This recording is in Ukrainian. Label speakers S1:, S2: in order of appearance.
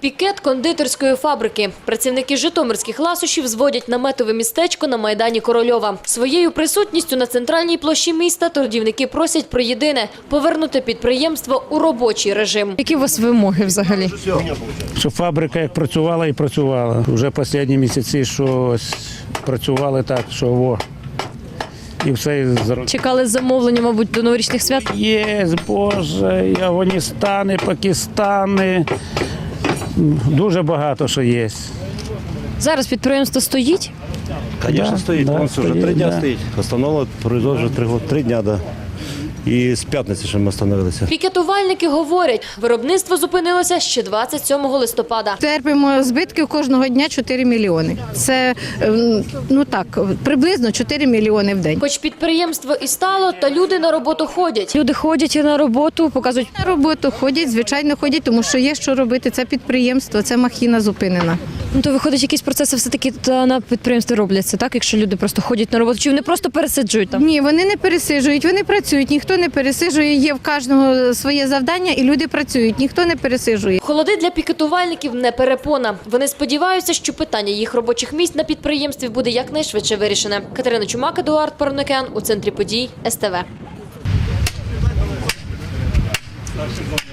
S1: Пікет кондитерської фабрики. Працівники житомирських ласощів зводять наметове містечко на Майдані Корольова. Своєю присутністю на центральній площі міста торгівники просять про єдине – повернути підприємство у робочий режим.
S2: Які у вас вимоги взагалі?
S3: Щоб фабрика як працювала і працювала. Вже останні місяці щось працювали так, що і все.
S2: Чекали замовлення, мабуть, до новорічних свят?
S3: Є, Боже, і Афганістани, Пакистани. Дуже багато що є.
S2: Зараз підприємство стоїть?
S4: Звісно, стоїть.
S3: Да,
S4: Вже 3 дні стоїть. Остановили производство вже 3 дні. Да. І з п'ятниці ще ми остановилися.
S1: Пікетувальники говорять, виробництво зупинилося ще 27 листопада.
S5: Терпимо збитки кожного дня 4 мільйони. Це, приблизно 4 мільйони в день.
S1: Хоч підприємство і стало, та люди на роботу ходять.
S2: Люди ходять на роботу, показують.
S5: На роботу ходять, звичайно ходять, тому що є що робити. Це підприємство, це махіна зупинена.
S2: Ну, то виходить, якісь процеси все-таки на підприємстві робляться, так? Якщо люди просто ходять на роботу, чи вони просто пересиджують там?
S5: Ні, вони не пересиджують, вони працюють, ніхто не пересиджує, є в кожного своє завдання і люди працюють, ніхто не пересиджує.
S1: Холоди для пікетувальників не перепона. Вони сподіваються, що питання їх робочих місць на підприємстві буде якнайшвидше вирішене. Катерина Чумак, Едуард Паранокен у центрі подій СТВ.